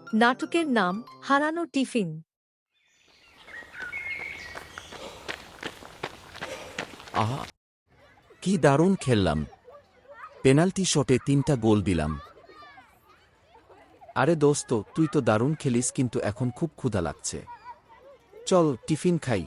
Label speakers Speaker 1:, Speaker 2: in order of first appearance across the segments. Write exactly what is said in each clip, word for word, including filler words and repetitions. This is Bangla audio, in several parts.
Speaker 1: নাটকের নাম হারানো টিফিন।
Speaker 2: আহা, কি দারুণ খেললাম! পেনাল্টি শটে তিনটা গোল দিলাম। আরে দোস্ত, তুই তো দারুণ খেলিস, কিন্তু এখন খুব ক্ষুধা লাগছে। চল টিফিন খাই।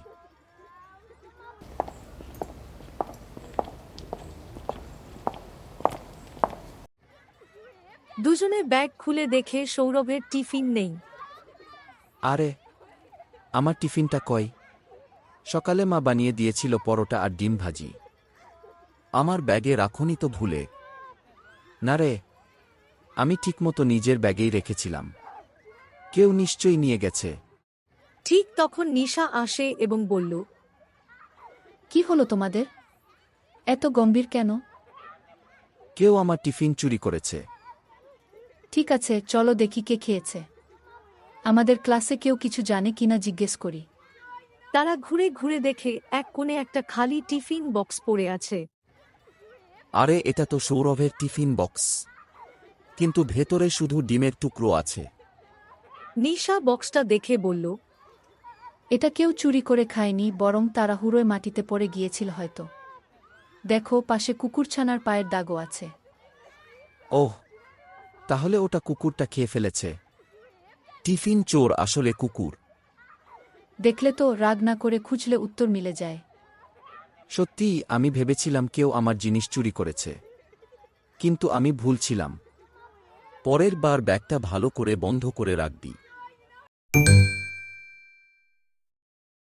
Speaker 1: দুজনে ব্যাগ খুলে দেখে সৌরভের টিফিন নেই।
Speaker 2: আরে, আমার টিফিনটা কই? সকালে মা বানিয়ে দিয়েছিল পরোটা আর ডিম ভাজি। আমার ব্যাগে রাখুনি তো ভুলে? না রে, আমি ঠিকমতো নিজের ব্যাগেই রেখেছিলাম। কেউ নিশ্চয়ই নিয়ে গেছে।
Speaker 1: ঠিক তখন নিশা আসে এবং বলল,
Speaker 3: কি হলো তোমাদের? এত গম্ভীর কেন?
Speaker 2: কেউ আমার টিফিন চুরি করেছে।
Speaker 3: ঠিক আছে, চলো দেখি কে খেয়েছে। আমাদের ক্লাসে কেউ কিছু জানে কিনা জিজ্ঞেস করি।
Speaker 1: তারা ঘুরে ঘুরে দেখে এক কোণে একটা খালি টিফিন বক্স পড়ে আছে।
Speaker 2: আরে, এটা তো সৌরভের টিফিন বক্স, কিন্তু ভেতরে শুধু ডিমের টুকরো আছে।
Speaker 1: নিশা বক্সটা দেখে বলল,
Speaker 3: এটা কেউ চুরি করে খায়নি, বরং তাড়াহুড়োয় মাটিতে পড়ে গিয়েছিল হয়তো। দেখো, পাশে কুকুরছানার পায়ের দাগও আছে।
Speaker 2: ওহ, তাহলে ওটা কুকুরটা খেয়ে ফেলেছে। টিফিন চোর আসলে কুকুর।
Speaker 3: দেখলে তো, রাগ না করে খুঁজলে উত্তর মিলে যায়।
Speaker 2: সত্যিই আমি ভেবেছিলাম কেউ আমার জিনিস চুরি করেছে, কিন্তু আমি ভুল ছিলাম। পরের বার ব্যাগটা ভালো করে বন্ধ করে রাখবি।